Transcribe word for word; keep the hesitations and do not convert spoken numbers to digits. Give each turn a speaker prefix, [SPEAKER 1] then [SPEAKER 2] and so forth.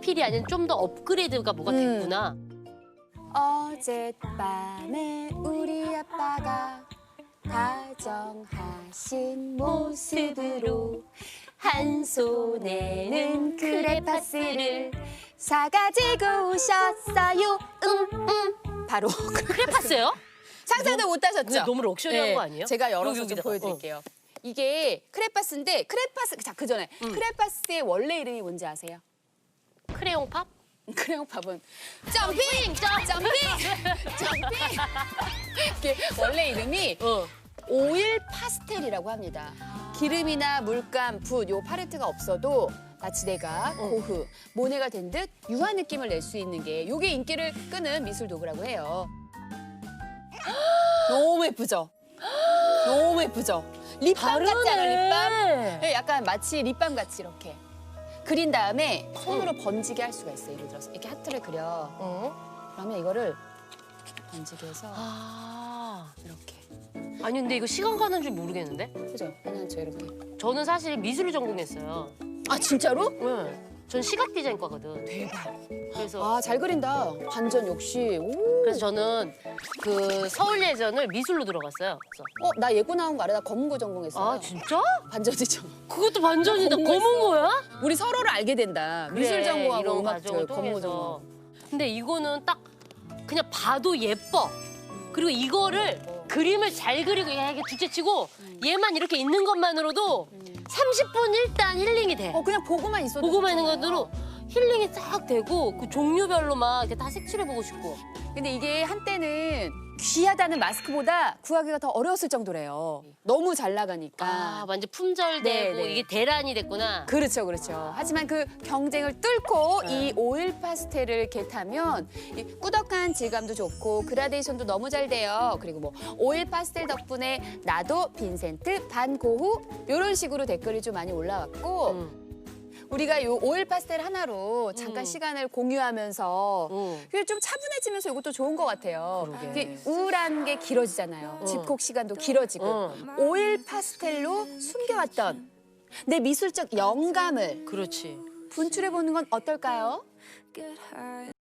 [SPEAKER 1] 리필이 아닌 좀 더 업그레이드가 뭐가
[SPEAKER 2] 음.
[SPEAKER 1] 됐구나.
[SPEAKER 2] 어젯밤에 우리 아빠가 다정하신 모습으로 한 손에는 크레파스를 사가지고 오셨어요. 음, 음. 바로
[SPEAKER 1] 크레파스예요?
[SPEAKER 2] 상상도 못 하셨죠?
[SPEAKER 1] 근데 너무 럭셔리한
[SPEAKER 2] 네,
[SPEAKER 1] 거 아니에요?
[SPEAKER 2] 제가 열어서 좀
[SPEAKER 1] 여기다가.
[SPEAKER 2] 보여드릴게요. 이게 크레파스인데 크레파스 자 그 전에
[SPEAKER 1] 음.
[SPEAKER 2] 크레파스의 원래 이름이 뭔지 아세요?
[SPEAKER 1] 크레용 팝?
[SPEAKER 2] 크레용 팝은 점핑! 점핑! 점핑! 이게 원래 이름이
[SPEAKER 1] 어.
[SPEAKER 2] 오일 파스텔이라고 합니다. 기름이나 물감, 붓, 요 팔레트가 없어도 마치 내가 고흐, 모네가 된 듯 유한 느낌을 낼 수 있는 게 요게 인기를 끄는 미술 도구라고 해요. 너무 예쁘죠? 너무 예쁘죠? 립밤 같지 않아, 립밤? 네, 약간 마치 립밤 같이 이렇게. 그린 다음에 손으로 번지게 할 수가 있어요. 예를 들어서 이렇게 하트를 그려.
[SPEAKER 1] 어?
[SPEAKER 2] 그러면 이거를 번지게 해서
[SPEAKER 1] 아.
[SPEAKER 2] 이렇게.
[SPEAKER 1] 아니 근데 이거 시간 가는 줄 모르겠는데?
[SPEAKER 2] 그죠? 괜찮죠, 이렇게.
[SPEAKER 1] 저는 사실 미술을 전공했어요.
[SPEAKER 2] 아, 진짜로?
[SPEAKER 1] 네. 전 시각 디자인과거든.
[SPEAKER 2] 대박.
[SPEAKER 1] 그래서
[SPEAKER 2] 아, 잘 그린다. 반전 역시. 오.
[SPEAKER 1] 그래서 저는 그 서울 예전을 미술로 들어갔어요. 그래서
[SPEAKER 2] 어, 나 예고 나온 거 알아? 나 검은고 전공했어요.
[SPEAKER 1] 아 진짜?
[SPEAKER 2] 반전이죠.
[SPEAKER 1] 그것도 반전이다.
[SPEAKER 2] 검은
[SPEAKER 1] 검은 거야?
[SPEAKER 2] 우리 서로를 알게 된다. 미술
[SPEAKER 1] 그래,
[SPEAKER 2] 전공하고
[SPEAKER 1] 이런
[SPEAKER 2] 음악
[SPEAKER 1] 과정을
[SPEAKER 2] 저 검은고
[SPEAKER 1] 통해서.
[SPEAKER 2] 전공.
[SPEAKER 1] 근데 이거는 딱 그냥 봐도 예뻐. 그리고 이거를 그림을 잘 그리고 이게 둘째치고 얘만 이렇게 있는 것만으로도 삼십 분 일단 힐링이 돼.
[SPEAKER 2] 어, 그냥 보고만 있어도
[SPEAKER 1] 보고만 있는
[SPEAKER 2] 좋잖아요.
[SPEAKER 1] 것으로 힐링이 싹 되고 그 종류별로 막 이렇게 다 색칠해보고 싶고.
[SPEAKER 2] 근데 이게 한때는 귀하다는 마스크보다 구하기가 더 어려웠을 정도래요. 너무 잘 나가니까.
[SPEAKER 1] 아 완전 품절되고
[SPEAKER 2] 네, 네.
[SPEAKER 1] 이게 대란이 됐구나.
[SPEAKER 2] 그렇죠, 그렇죠. 하지만 그 경쟁을 뚫고
[SPEAKER 1] 네.
[SPEAKER 2] 이 오일 파스텔을 겟하면 이 꾸덕한 질감도 좋고 그라데이션도 너무 잘 돼요. 그리고 뭐 오일 파스텔 덕분에 나도 빈센트 반 고흐 이런 식으로 댓글이 좀 많이 올라왔고
[SPEAKER 1] 음.
[SPEAKER 2] 우리가 이 오일 파스텔 하나로 잠깐
[SPEAKER 1] 음.
[SPEAKER 2] 시간을 공유하면서
[SPEAKER 1] 음.
[SPEAKER 2] 그게 좀 차분해지면서 이것도 좋은 것 같아요.
[SPEAKER 1] 그러게.
[SPEAKER 2] 이게 우울한 게 길어지잖아요.
[SPEAKER 1] 어.
[SPEAKER 2] 집콕 시간도 길어지고
[SPEAKER 1] 어.
[SPEAKER 2] 오일 파스텔로 숨겨왔던 내 미술적 영감을
[SPEAKER 1] 그렇지.
[SPEAKER 2] 분출해 보는 건 어떨까요?